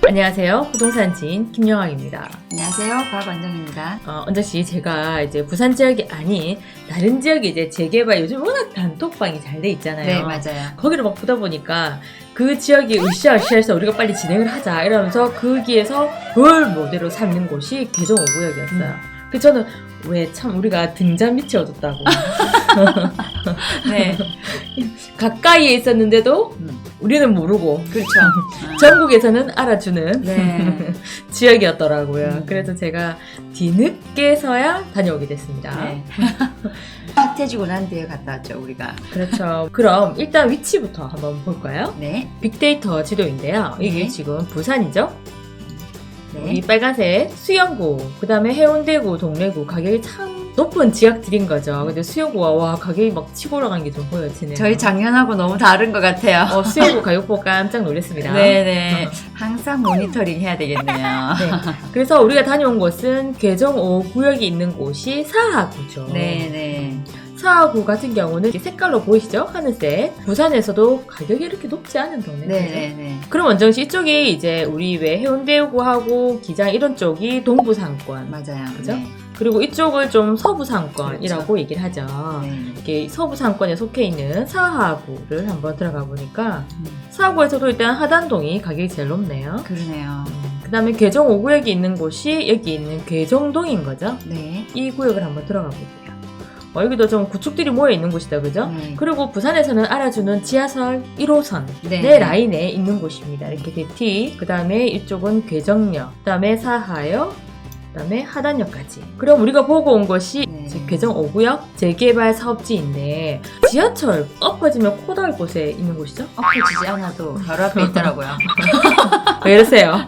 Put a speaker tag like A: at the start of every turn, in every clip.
A: 안녕하세요. 부동산 지인 김영학입니다.
B: 안녕하세요. 박원정입니다.
A: 원정씨, 제가 이제 부산 지역이 아닌 다른 지역에 이제 재개발 요즘 워낙 단톡방이 잘 돼 있잖아요.
B: 네, 맞아요.
A: 거기를 막 보다 보니까 그 지역이 으쌰으쌰해서 우리가 빨리 진행을 하자 이러면서 거기에서 그걸 모델로 삼는 곳이 개정 5구역이었어요. 그 저는 왜 참 우리가 등잔 밑이 어둡다고.
B: 네.
A: 가까이에 있었는데도 우리는 모르고
B: 그렇죠.
A: 전국에서는 알아주는
B: 네.
A: 지역이었더라고요. 그래서 제가 뒤늦게서야 다녀오게 됐습니다.
B: 네. 핫해지고 난 뒤에 갔다 왔죠, 우리가.
A: 그렇죠. 그럼 일단 위치부터 한번 볼까요?
B: 네.
A: 빅데이터 지도인데요. 이게
B: 네.
A: 지금 부산이죠?
B: 네.
A: 이 빨간색 수영구, 그 다음에 해운대구, 동래구 가격이 참 높은 지역들인 거죠. 근데 수영구가 와 가격이 막 치고 올라가는 게 좀 보여지네요.
B: 저희 작년하고 너무 다른 것 같아요.
A: 수영구 가격 보고 깜짝 놀랐습니다.
B: 네네. 항상 모니터링 해야 되겠네요.
A: 네. 그래서 우리가 다녀온 곳은 개정 5구역이 있는 곳이 사하구죠.
B: 네네.
A: 사하구 같은 경우는 이렇게 색깔로 보이시죠? 하늘색. 부산에서도 가격이 이렇게 높지 않은 동네.
B: 네네네.
A: 그럼 원정씨 이쪽이 이제 우리 왜 해운대구하고 기장 이런 쪽이 동부상권.
B: 맞아요.
A: 그죠?
B: 네.
A: 그리고 이쪽을 좀 서부상권이라고
B: 그렇죠.
A: 얘기를 하죠.
B: 네.
A: 이게 서부상권에 속해 있는 사하구를 한번 들어가 보니까 사하구에서도 일단 하단동이 가격이 제일 높네요.
B: 그러네요.
A: 그 다음에 개정 5구역이 있는 곳이 여기 있는 개정동인 거죠.
B: 네.
A: 이 구역을 한번 들어가 볼게요. 여기도 좀 구축들이 모여 있는 곳이다, 그죠?
B: 네.
A: 그리고 부산에서는 알아주는 지하철 1호선
B: 네.
A: 내 라인에 있는 곳입니다. 이렇게 대티, 그 다음에 이쪽은 괴정역, 그 다음에 사하역, 그 다음에 하단역까지. 그럼 우리가 보고 온 곳이
B: 네.
A: 지금 개정 5구역 재개발 사업지인데 지하철 엎어지면 코 닿을 곳에 있는 곳이죠?
B: 엎어지지 않아도 바로 앞에 있더라고요.
A: 왜 이러세요?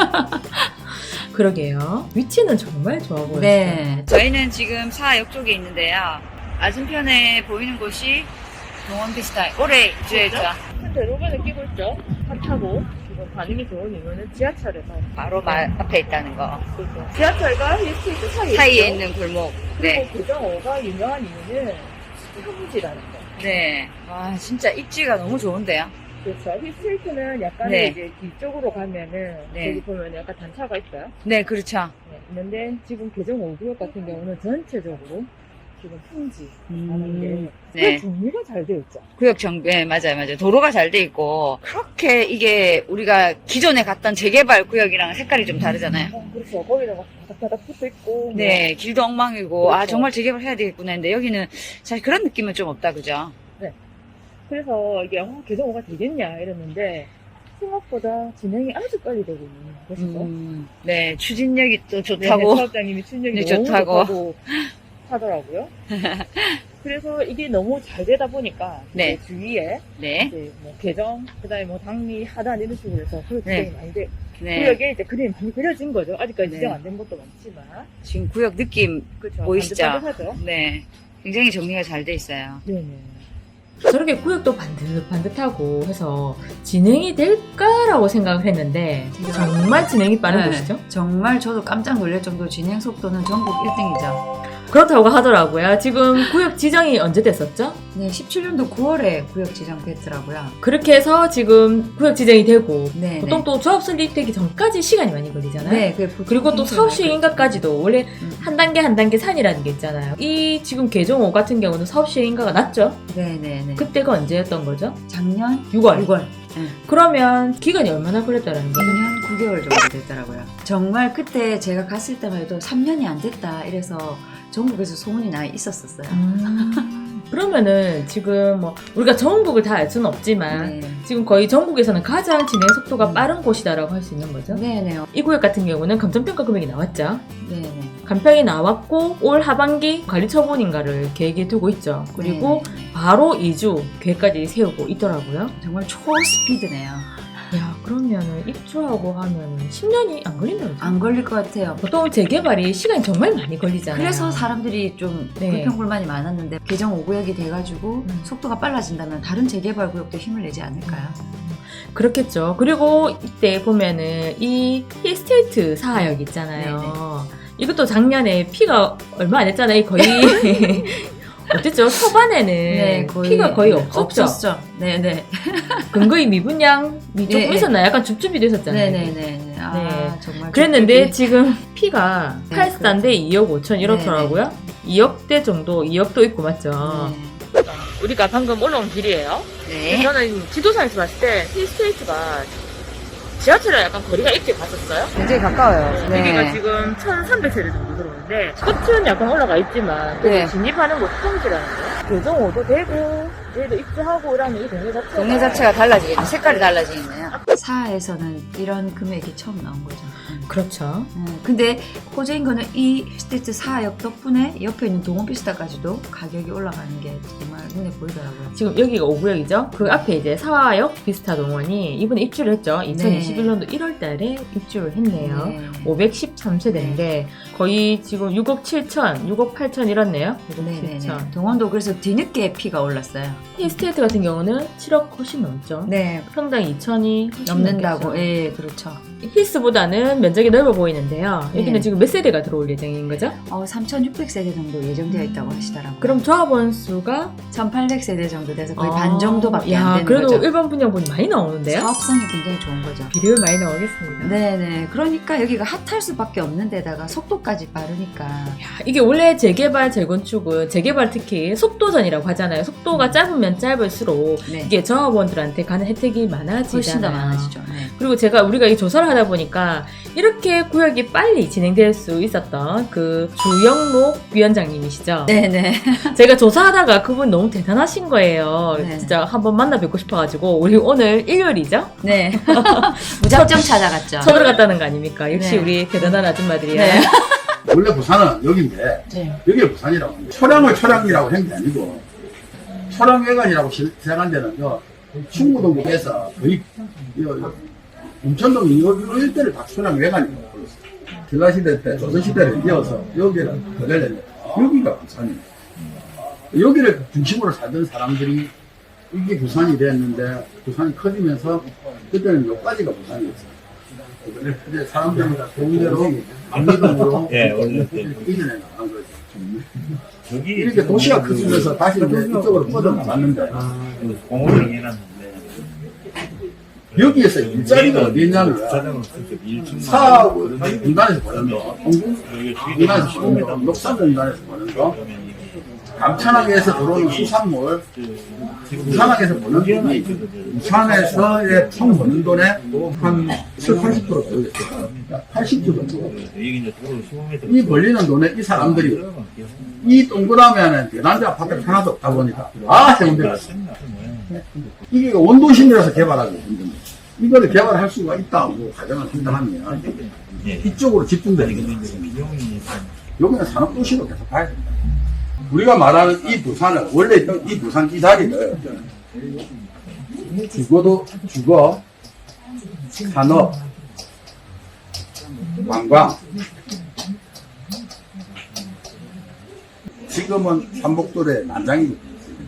A: 그러게요. 위치는 정말 좋아 보여요.
B: 네. 저희는 지금 사역 쪽에 있는데요. 맞은편에 보이는 곳이 동원 비슷한 올해 입주했죠.
A: 큰 대로가 느끼고 있죠? 핫하고 지금 반응이 좋은 이유는 지하철에서
B: 바로 앞에 있다는 거.
A: 그렇죠. 지하철과 힐스테이트
B: 사이에 있는 골목. 네.
A: 그리고 개정5가 유명한 이유는 현지라는 거.
B: 네. 와, 진짜 입지가 너무 좋은데요.
A: 그렇죠. 힐스테이트는 약간
B: 네.
A: 이제 뒤쪽으로 가면은
B: 네.
A: 여기 보면 약간 단차가 있어요.
B: 네, 그렇죠.
A: 네, 있는데 지금 개정 5구역 같은 경우는 전체적으로 지금 평지 하는 게
B: 네.
A: 정리가 잘 되어 있죠.
B: 구역 정비, 네, 맞아요. 도로가 잘 돼 있고, 그렇게 이게 우리가 기존에 갔던 재개발 구역이랑 색깔이 좀 다르잖아요.
A: 그렇죠. 거기다가 바닥바닥 붙어 있고.
B: 네, 길도 엉망이고, 아,
A: 그렇죠.
B: 정말 재개발 해야 되겠구나 했는데, 여기는 사실 그런 느낌은 좀 없다, 그죠?
A: 그래서 이게 개정 5가 되겠냐 이랬는데 생각보다 진행이 아주 빨리 되고 있는 곳이죠.
B: 네, 추진력이 또 좋다고.
A: 사업장님이 추진력이
B: 네,
A: 너무
B: 좋다고.
A: 좋다고 하더라고요. 그래서 이게 너무 잘 되다 보니까
B: 네.
A: 이제 주위에
B: 네,
A: 이제 뭐 개정, 그다음에 뭐 당리, 하단 이런 식으로 해서 그렇게
B: 네.
A: 많이 돼.
B: 네.
A: 구역에 이제 그림이 많이 그려진 거죠. 아직까지
B: 네.
A: 지정 안 된 것도 많지만.
B: 지금 구역 느낌,
A: 그렇죠.
B: 보이시죠?
A: 반듯반듯하죠?
B: 네, 굉장히 정리가 잘 돼 있어요.
A: 네네. 저렇게 구역도 반듯반듯하고 해서 진행이 될까라고 생각을 했는데 정말 진행이 빠른
B: 네.
A: 곳이죠.
B: 정말 저도 깜짝 놀랄 정도 진행 속도는 전국 1등이죠.
A: 그렇다고 하더라고요. 지금 구역 지정이 언제 됐었죠?
B: 네, 17년도 9월에 구역 지정됐더라고요.
A: 그렇게 해서 지금 구역 지정이 되고
B: 네,
A: 보통
B: 네.
A: 또 조합 설립되기 전까지 시간이 많이 걸리잖아요.
B: 네, 보통
A: 그리고 또 사후 시행인가까지도 원래
B: 음.
A: 한 단계 산이라는 게 있잖아요. 이 지금 개정 5 같은 경우는 사업 시행인가가 낮죠?
B: 네, 네, 네.
A: 그때가 언제였던 거죠?
B: 작년
A: 6월.
B: 6월.
A: 그러면 기간이 얼마나 걸렸다는 거죠?
B: 2년 9개월 정도 됐더라고요. 정말 그때 제가 갔을 때만 해도 3년이 안 됐다 이래서 전국에서 소문이 나 있었어요.
A: 그러면은 지금 뭐 우리가 전국을 다 알 수는 없지만
B: 네.
A: 지금 거의 전국에서는 가장 진행 속도가 빠른 곳이다라고 할 수 있는 거죠.
B: 네네.
A: 이 구역 같은 경우는 감정평가 금액이 나왔죠.
B: 네네.
A: 감평이 나왔고 올 하반기 관리처분인가를 계획에 두고 있죠. 그리고
B: 네네.
A: 바로 2주 계획까지 세우고 있더라고요.
B: 정말 초스피드네요.
A: 야, 그러면은 입주하고 하면 10년이 안 걸린다고 그러죠?
B: 안 걸릴 것 같아요.
A: 보통 재개발이 시간이 정말 많이 걸리잖아요.
B: 그래서 사람들이 좀
A: 네.
B: 불평불만이 많았는데 개정 5구역이 돼가지고 속도가 빨라진다면 다른 재개발 구역도 힘을 내지 않을까요?
A: 그렇겠죠. 그리고 이때 보면은 이 힐스테이트 사하역 있잖아요. 이것도 작년에 피가 얼마 안 했잖아요. 거의 어땠죠? 초반에는
B: 네,
A: 피가 거의 없었죠.
B: 없었죠. 네네.
A: 근거의 미분양이 조금
B: 네,
A: 있었나요? 약간 줍줍이 됐었잖아요.
B: 네네네. 아,
A: 네.
B: 정말.
A: 그랬는데
B: 줍줍이.
A: 지금 피가
B: 네,
A: 8단대 2억 5천 이렇더라고요. 2억대 정도, 2억도 있고 맞죠? 우리가 방금 올라온 길이에요.
B: 네.
A: 저는 지도상에서 봤을 때 힐스테이트가 지하철이랑 약간 거리가 있게 갔었어요.
B: 굉장히 가까워요.
A: 여기가 지금 1300세대 정도 들어오는데 끝은 약간 올라가 있지만 그래도
B: 네.
A: 진입하는 곳이 평지라는 거예요. 교정호도 되고 얘도 입주하고 이러면 이 동네 자체가
B: 동네 자체가 달라지겠네. 색깔이 달라지겠네요. 사하에서는 이런 금액이 처음 나온 거죠.
A: 그렇죠.
B: 근데 호재인 거는 이 스테이트 사하역 덕분에 옆에 있는 동원피스타까지도 가격이 올라가는 게 정말 눈에 보이더라고요.
A: 지금 여기가 5구역이죠. 그 앞에 이제 사화역 비스타 동원이 이번에 입주를 했죠. 2021년도 1월 달에 입주를 했네요.
B: 네.
A: 513세대인데 거의 지금 6억 7천, 6억 8천 이렇네요. 6억
B: 네네네.
A: 7천.
B: 동원도 그래서 뒤늦게 피가 올랐어요.
A: 힐스테이트 같은 경우는 7억 훨씬 넘죠.
B: 네.
A: 평당 2천이
B: 넘는다고. 예, 그렇죠.
A: 힐스보다는 면적이 넓어 보이는데요. 여기는
B: 네.
A: 지금 몇 세대가 들어올 예정인 거죠?
B: 3,600세대 정도 예정되어 있다고 하시더라고요.
A: 그럼 조합원 수가
B: 1,800세대 정도 돼서 거의 반 정도밖에 안 되는
A: 그래도
B: 거죠.
A: 일반 분양분이 많이 나오는데요?
B: 사업성이 굉장히 좋은 거죠.
A: 비율 많이 나오겠습니다.
B: 네네. 그러니까 여기가 핫할 수밖에 없는 데다가 속도까지 빠르니까.
A: 이게 원래 재개발, 재건축은 재개발 특히 속도전이라고 하잖아요. 속도가 짧으면 짧을수록
B: 네.
A: 이게 조합원들한테 가는 혜택이 많아지잖아요.
B: 훨씬 더 많아지죠. 네.
A: 그리고 우리가 이 조사를 하다 보니까 이렇게 구역이 빨리 진행될 수 있었던 그 주영록 위원장님이시죠.
B: 네네.
A: 제가 조사하다가 그분 너무 대단하신 거예요.
B: 네.
A: 진짜 한번 만나 뵙고 싶어가지고 우리 오늘 일요일이죠?
B: 네. 무작정 찾아갔죠.
A: 쳐들어갔다는 거 아닙니까? 역시
B: 네.
A: 우리 대단한 아줌마들이야.
B: 네.
C: 원래 부산은 여기인데
B: 네.
C: 여기가 부산이라고 합니다. 초량을 초량이라고 한 게 아니고 초량회관이라고 시작한 데는 충무동에서 거의 인천동 요 일대를 다 초량회관이라고 불렀어요. 전라시대 때 조선시대를 이어서 여기를 거달렸는데 여기가 부산입니다. 여기를 중심으로 살던 사람들이 이게 부산이 됐는데 부산이 커지면서 그때는 여기까지가 부산이었어요. 근데 사람들이 동대로 압리동으로
D: 예, 원래
C: 이전에 나간 거죠.
D: 저기
C: 이렇게 도시가 커지면서 다시 이제 이쪽으로 뻗어나갔는데
D: 공원을 해놨는데
C: 여기에서 일자리가 어디 있냐면
D: 자전거 쓸때 1층
C: 사하고 공단에서 보는 거, 공단에서 보는 거, 녹산공단에서 보는 거, 감천항에서 들어오는 수산물, 부산항에서 보는 돈이 부산에서의 총 버는 돈의 한 70, 80% 되겠어요. 80% 정도.
D: 여기 이제 도로 15m
C: 이 벌리는 돈에 이 사람들이 이 동그라미 안에 대단지 아파트가 하나도 없다 보니까 해운대가 있어요. 이게 원도심이라서 개발하기 힘듭니다. 이거를 개발할 수가 있다고 가정을 한다면 이쪽으로 집중되는 거예요. 여기는 산업도시로 계속 가야 됩니다. 우리가 말하는 이 부산을, 원래 있던 이 부산 이 자리를 주거, 산업, 관광, 지금은 삼복도의 난장이거든요.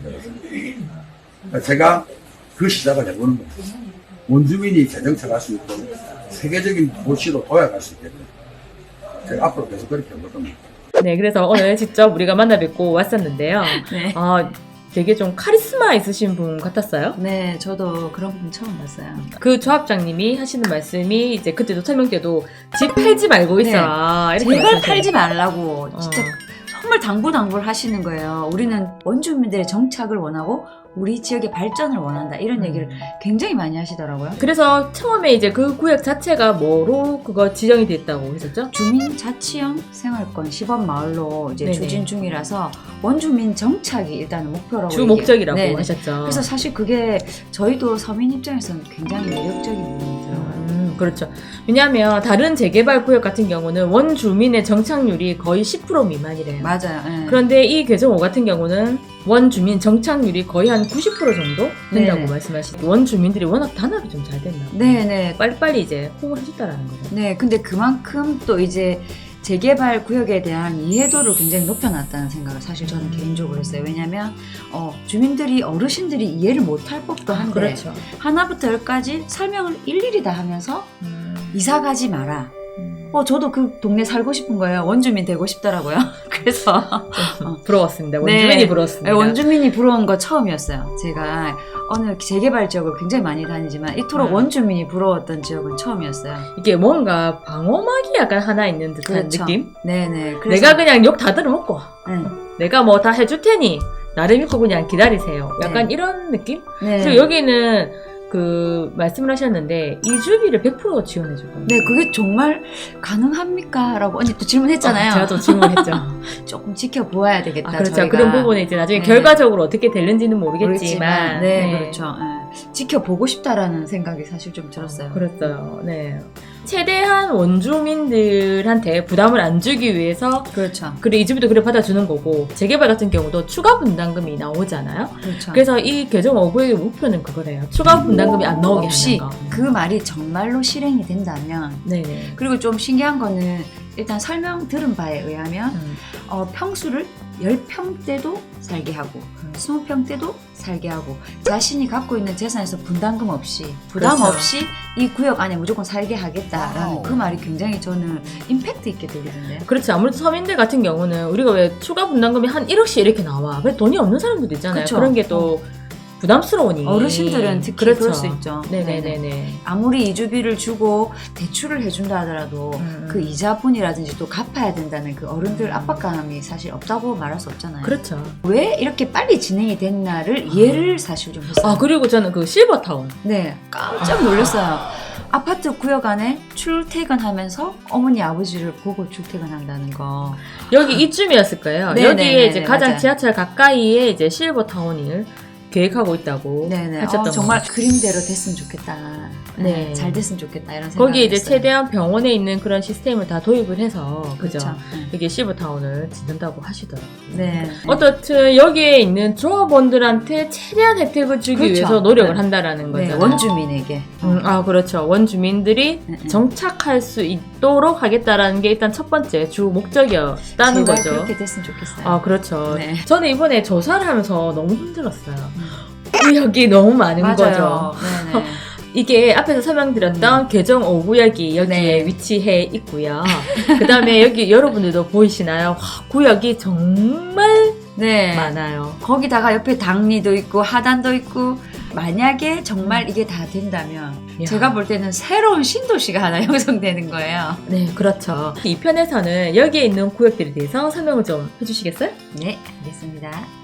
C: 제가 그 시작을 해보는 거예요. 원주민이 재정착할 수 있고 세계적인 도시로 도약할 수 있게끔 제가 앞으로 계속 그렇게 해보거든요.
A: 네, 그래서 오늘 직접 우리가 만나 뵙고 왔었는데요.
B: 네.
A: 되게 좀 카리스마 있으신 분 같았어요.
B: 네, 저도 그런 분 처음 봤어요.
A: 그 조합장님이 하시는 말씀이 이제 그때도 설명 때도 집 팔지 말고 있어라. 이렇게
B: 제발
A: 말씀하셨어요.
B: 팔지 말라고 진짜 정말 당부당부를 하시는 거예요. 우리는 원주민들의 정착을 원하고 우리 지역의 발전을 원한다. 이런 얘기를 굉장히 많이 하시더라고요.
A: 그래서 처음에 이제 그 구역 자체가 뭐로 그거 지정이 됐다고 했었죠?
B: 주민자치형 생활권 시범마을로 이제
A: 네네.
B: 추진 중이라서 원주민 정착이 일단 목표라고
A: 주 목적이라고
B: 네네.
A: 하셨죠.
B: 그래서 사실 그게 저희도 서민 입장에서는 굉장히 매력적인 부분이더라고요.
A: 그렇죠. 왜냐하면 다른 재개발 구역 같은 경우는 원주민의 정착률이 거의 10% 미만이래요.
B: 맞아요. 예.
A: 그런데 이 개정 5 같은 경우는 원주민 정착률이 거의 한 90% 정도 된다고
B: 네네.
A: 말씀하시고 원주민들이 워낙 단합이 좀 잘 됐나 봐요.
B: 네네.
A: 빨리빨리 이제 호응을 해줬다라는 거죠.
B: 네, 근데 그만큼 또 이제 재개발 구역에 대한 이해도를 굉장히 높여놨다는 생각을 사실 저는 개인적으로 했어요. 왜냐면 주민들이 어르신들이 이해를 못할 법도 한데
A: 그렇죠.
B: 하나부터 열까지 설명을 일일이 다 하면서 이사 가지 마라. 저도 그 동네 살고 싶은 거예요. 원주민 되고 싶더라고요. 그래서
A: 부러웠습니다. 원주민이
B: 네.
A: 부러웠습니다.
B: 원주민이 부러운 거 처음이었어요. 제가 어느 재개발 지역을 굉장히 많이 다니지만 이토록 원주민이 부러웠던 지역은 처음이었어요.
A: 이게 뭔가 방어막이 약간 하나 있는 듯한
B: 그렇죠.
A: 느낌?
B: 네네.
A: 내가 그냥 욕 다 들어먹고
B: 네.
A: 내가 뭐 다 해줄 테니 나를 믿고 그냥 기다리세요. 약간 이런 느낌?
B: 네.
A: 그리고 여기는 그 말씀을 하셨는데 이주비를 100% 지원해 줄 겁니다.
B: 네, 그게 정말 가능합니까? 라고 언니 또 질문했잖아요.
A: 제가 또 질문했죠.
B: 조금 지켜보아야 되겠다.
A: 그렇죠.
B: 저희가.
A: 그런 부분에 이제 나중에
B: 네.
A: 결과적으로 어떻게 될는지는 모르겠지만,
B: 네, 그렇죠. 네. 지켜보고 싶다라는 생각이 사실 좀 들었어요.
A: 그렇죠. 네. 최대한 원주민들한테 부담을 안 주기 위해서
B: 그렇죠.
A: 그래 이주비도 그래 받아주는 거고 재개발 같은 경우도 추가 분담금이 나오잖아요.
B: 그렇죠.
A: 그래서 이 개정 5구역의 목표는 그거래요. 추가 분담금이 안 나오게
B: 없이
A: 하는 거.
B: 그 말이 정말로 실행이 된다면
A: 네네.
B: 그리고 좀 신기한 거는 일단 설명 들은 바에 의하면 평수를 10평대도 살게 하고 20평대도 살게 하고 자신이 갖고 있는 재산에서 분담금 없이 부담
A: 그렇죠.
B: 없이 이 구역 안에 무조건 살게 하겠다라는
C: 와우.
B: 그 말이 굉장히 저는 임팩트 있게 들리던데요.
A: 그렇죠. 아무래도 서민들 같은 경우는 우리가 왜 추가 분담금이 한 1억씩 이렇게 나와. 왜 돈이 없는 사람들도 있잖아요.
B: 그쵸.
A: 그런 게 또 부담스러우니.
B: 어르신들은 특히
A: 그렇죠.
B: 그럴 수 있죠.
A: 네네네네.
B: 아무리 이주비를 주고 대출을 해준다 하더라도 그 이자분이라든지 또 갚아야 된다는 그 어른들 압박감이 사실 없다고 말할 수 없잖아요.
A: 그렇죠.
B: 왜 이렇게 빨리 진행이 됐나를 이해를 사실 좀 했어요.
A: 그리고 저는 그 실버타운.
B: 네, 깜짝 놀랐어요. 아파트 구역 안에 출퇴근하면서 어머니 아버지를 보고 출퇴근한다는 거.
A: 여기 이쯤이었을 거예요.
B: 네,
A: 여기에
B: 네, 네,
A: 이제
B: 네,
A: 가장
B: 맞아요.
A: 지하철 가까이에 이제 실버타운을 계획하고 있다고
B: 네네.
A: 하셨던
B: 정말
A: 거.
B: 그림대로 됐으면 좋겠다.
A: 네.
B: 잘 됐으면 좋겠다 이런 생각.
A: 거기에 이제 최대한 병원에 있는 그런 시스템을 다 도입을 해서 그죠?
B: 그렇죠.
A: 여기 실버타운을 짓는다고 하시더라고요.
B: 네.
A: 어떻든 여기에 있는 조합원들한테 최대한 혜택을 주기
B: 그렇죠.
A: 위해서 노력을
B: 네.
A: 한다라는 거죠.
B: 네, 원주민에게.
A: 그렇죠. 원주민들이
B: 네, 네.
A: 정착할 수 있도록 하겠다라는 게 일단 첫 번째 주 목적이었다는
B: 제발
A: 거죠.
B: 그렇게 됐으면 좋겠어요.
A: 그렇죠.
B: 네.
A: 저는 이번에 조사를 하면서 너무 힘들었어요. 구역이 너무 많은 거죠.
B: 맞아요. 네네.
A: 이게 앞에서 설명드렸던 개정 5구역이 여기에
B: 네.
A: 위치해 있고요. 그 다음에 여기 여러분들도 보이시나요? 와, 구역이 정말
B: 네.
A: 많아요.
B: 거기다가 옆에 당리도 있고 하단도 있고 만약에 정말 이게 다 된다면
A: 이야.
B: 제가 볼 때는 새로운 신도시가 하나 형성되는 거예요.
A: 네, 그렇죠. 이 편에서는 여기에 있는 구역들에 대해서 설명을 좀 해주시겠어요?
B: 네, 알겠습니다.